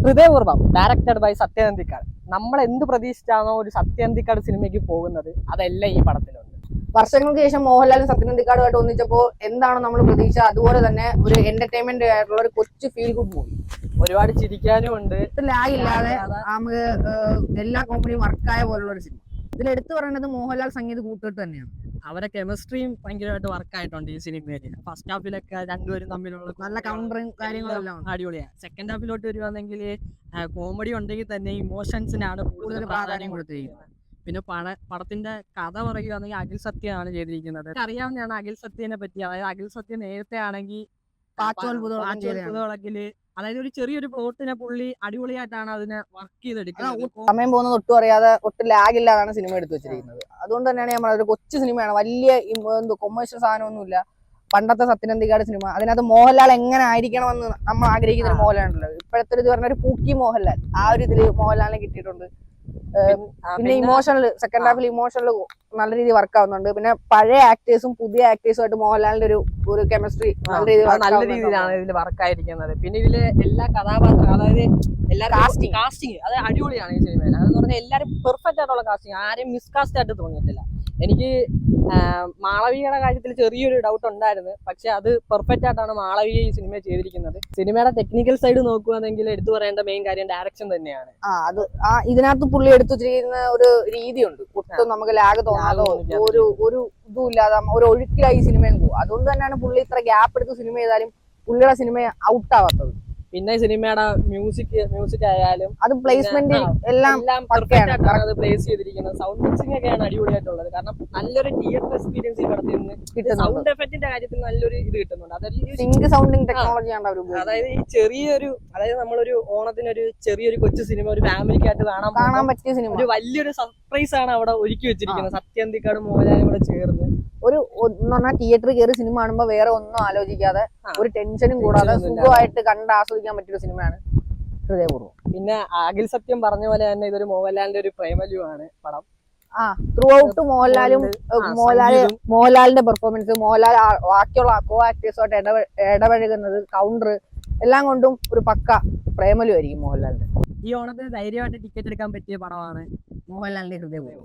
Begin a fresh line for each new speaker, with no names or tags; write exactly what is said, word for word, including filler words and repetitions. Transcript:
ഹൃദയപൂർവ്വം directed by Sathyan Anthikad. നമ്മൾ എന്ത് പ്രതീക്ഷിച്ചാണോ ഒരു സത്യനന്ദിക്കാട് സിനിമയ്ക്ക് പോകുന്നത് അതെല്ലാം ഈ പടത്തിലുണ്ട്.
വർഷങ്ങൾക്ക് ശേഷം മോഹൻലാലും സത്യനന്ദിക്കാടുമായിട്ട് ഒന്നിച്ചപ്പോൾ എന്താണോ നമ്മൾ പ്രതീക്ഷ അതുപോലെ തന്നെ ഒരു എന്റർടൈൻമെന്റ് ആയിട്ടുള്ള ഒരു കൊച്ചു ഫീൽ ഗുഡ് മൂവി.
ഒരുപാട് ചിരിക്കാനും ഉണ്ട്,
ലാഗ് ഇല്ലാതെ നമുക്ക് എല്ലാ കോമഡിയും വർക്കായ പോലുള്ള ഒരു സിനിമ. ഇതിൽ എടുത്തു പറയുന്നത് മോഹൻലാൽ സംഗീത കൂട്ടുകെട്ട് തന്നെയാണ്.
അവരെ കെമിസ്ട്രിയും ഭയങ്കരമായിട്ട് വർക്കായിട്ടുണ്ട് ഈ സിനിമയിൽ. ഫസ്റ്റ് ഹാഫിലൊക്കെ രണ്ടുപേരും തമ്മിലുള്ള
നല്ല കൗണ്ടറും കാര്യങ്ങളെല്ലാം
അടിപൊളിയാണ്. സെക്കൻഡ് ഹാഫിലോട്ട് വരുവാണെങ്കിൽ കോമഡി ഉണ്ടെങ്കിൽ തന്നെ ഇമോഷൻസിനാണ് കൂടുതൽ പ്രാധാന്യം കൊടുത്തിരിക്കുന്നത്. പിന്നെ പട പടത്തിന്റെ കഥ പറയുകയാണെങ്കിൽ അഖിൽ സത്യമാണ് ചെയ്തിരിക്കുന്നത്. അറിയാവുന്നതാണ് അഖിൽ സത്യനെ പറ്റി. അതായത് അഖിൽ സത്യ നേരത്തെ ആണെങ്കിൽ പാച്ചോൽപുതളക്കില് അതായത് ഒരു ചെറിയൊരു പ്ലോട്ടിനെ പുള്ളി അടിപൊളിയായിട്ടാണ് അതിനെ വർക്ക് ചെയ്തെടുക്കുന്നത്.
സമയം പോകുന്നത് ഒട്ടും അറിയാതെ ഒട്ടും ലാഗ് ഇല്ലാതാണ് സിനിമ എടുത്തു വെച്ചിരിക്കുന്നത്. അതുകൊണ്ട് തന്നെയാണ് ഞാൻ പറഞ്ഞത് ഒരു കൊച്ചു സിനിമയാണ്, വലിയ എന്തോ കൊമേഴ്ഷ്യൽ സാധനമൊന്നുമില്ല. പണ്ടത്തെ സത്യനന്ദിക്കാട് സിനിമ, അതിനകത്ത് മോഹൻലാൽ എങ്ങനെ ആയിരിക്കണമെന്ന് നമ്മൾ ആഗ്രഹിക്കുന്ന ഒരു മോഹൻലാൽ ഉണ്ടല്ലോ. ഇപ്പോഴത്തെ ഇത് പറഞ്ഞ ഒരു പൂക്കി മോഹൻലാൽ, ആ ഒരു ഇതില് മോഹൻലാലിനെ കിട്ടിയിട്ടുണ്ട്. പിന്നെ ഇമോഷണൽ സെക്കൻഡ് ഹാഫിൽ ഇമോഷണൽ നല്ല രീതിയിൽ വർക്ക് ആവുന്നുണ്ട്. പിന്നെ പഴയ ആക്ടേഴ്സും പുതിയ ആക്ടേഴ്സും ആയിട്ട് മോഹൻലാലിന്റെ ഒരു ഒരു കെമിസ്ട്രി നല്ല
രീതിയിലാണ് ഇതിൽ വർക്ക് ആയിരിക്കുന്നത്. പിന്നെ ഇതില് എല്ലാ കഥാപാത്രം അതായത് എല്ലാ കാസ്റ്റിംഗ് കാസ്റ്റിംഗ് അത് അടിപൊളിയാണ് ഈ സിനിമയിൽ. അതെന്ന് പറഞ്ഞാൽ എല്ലാവരും പെർഫെക്റ്റ് ആയിട്ടുള്ള കാസ്റ്റിംഗ്, ആരെയും മിസ്കാസ്റ്റ് ആയിട്ട് തോന്നിയിട്ടില്ല. എനിക്ക് മാളവികയുടെ കാര്യത്തിൽ ചെറിയൊരു ഡൗട്ട് ഉണ്ടായിരുന്നു, പക്ഷെ അത് പെർഫെക്റ്റ് ആയിട്ടാണ് മാളവിക ഈ സിനിമ ചെയ്തിരിക്കുന്നത്. സിനിമയുടെ ടെക്നിക്കൽ സൈഡ് നോക്കുകയാണെങ്കിൽ എടുത്തു പറയേണ്ട മെയിൻ കാര്യം ഡയറക്ഷൻ തന്നെയാണ്.
ആ അത് ആ ഇതിനകത്ത് പുള്ളി എടുത്തു ചെയ്യുന്ന ഒരു രീതിയുണ്ട്, ഒട്ടും നമുക്ക് ലാഗ് തോന്നാതോ ഒരു ഒരു ഇതും ഇല്ലാതെ ഒരു ഒഴുക്കിലായി സിനിമയും പോകും. അതുകൊണ്ട് തന്നെയാണ് പുള്ളി ഇത്ര ഗ്യാപ്പ് എടുത്ത് സിനിമ ചെയ്താലും പുള്ളിയുടെ സിനിമ ഔട്ട് ആവാത്തത്.
പിന്നെ സിനിമയുടെ മ്യൂസിക് മ്യൂസിക് ആയാലും
അത് പ്ലേസ്മെന്റ് എല്ലാം
അത് പ്ലേസ് ചെയ്തിരിക്കുന്നത്. സൗണ്ട് മിക്സിംഗ് ഒക്കെയാണ് അടിപൊളിയായിട്ടുള്ളത്. കാരണം നല്ലൊരു തിയേറ്റർ എക്സ്പീരിയൻസ് ഈ പടത്തിൽ നിന്ന് സൗണ്ട് എഫക്റ്റിന്റെ കാര്യത്തിൽ നല്ലൊരു ഇത് കിട്ടുന്നുണ്ട്.
അതായത് സൗണ്ടിങ് ടെക്നോളജിയാണ് അവർ.
അതായത് ഈ ചെറിയൊരു അതായത് നമ്മളൊരു ഓണത്തിനൊരു ചെറിയൊരു കൊച്ചു സിനിമ ഒരു ഫാമിലിക്കായിട്ട് കാണാൻ
കാണാൻ പറ്റിയ സിനിമ,
ഒരു വലിയൊരു സർപ്രൈസ് ആണ് അവിടെ ഒരുക്കി വെച്ചിരിക്കുന്നത്. സത്യനന്ദിക്കാട് മോഹൻലാലും കൂടെ ചേർന്ന്
ഒരു തിയേറ്ററിൽ കയറി സിനിമ കാണുമ്പോൾ വേറെ ഒന്നും ആലോചിക്കാതെ ഒരു ടെൻഷനും കൂടാതെ സുഖമായിട്ട് കണ്ട് ആസ്വദിക്കാൻ പറ്റിയ സിനിമയാണ് ഹൃദയപൂർവ്വം.
പിന്നെ അഖിൽ സത്യം പറഞ്ഞ പോലെ തന്നെ ഇതൊരു മോഹൻലാലിന്റെ ഒരു പ്രേമലുവാണ് പടം.
ആ ത്രൂ ഔട്ട് മോഹൻലാലും മോഹൻലാല് മോഹൻലാലിന്റെ പെർഫോമൻസ്, മോഹൻലാൽ ബാക്കിയുള്ള കോ ആക്ടേഴ്സുമായിട്ട് ഇടപെ ഇടപഴകുന്നത്, കൗണ്ടർ എല്ലാം കൊണ്ടും ഒരു പക്ക പ്രേമലു ആയിരിക്കും മോഹൻലാലിന്റെ.
ഈ ഓണത്തിന് ധൈര്യമായിട്ട് ടിക്കറ്റ് എടുക്കാൻ പറ്റിയ പടമാണ്
മോഹൻലാലിന്റെ ഹൃദയപൂർവ്വം.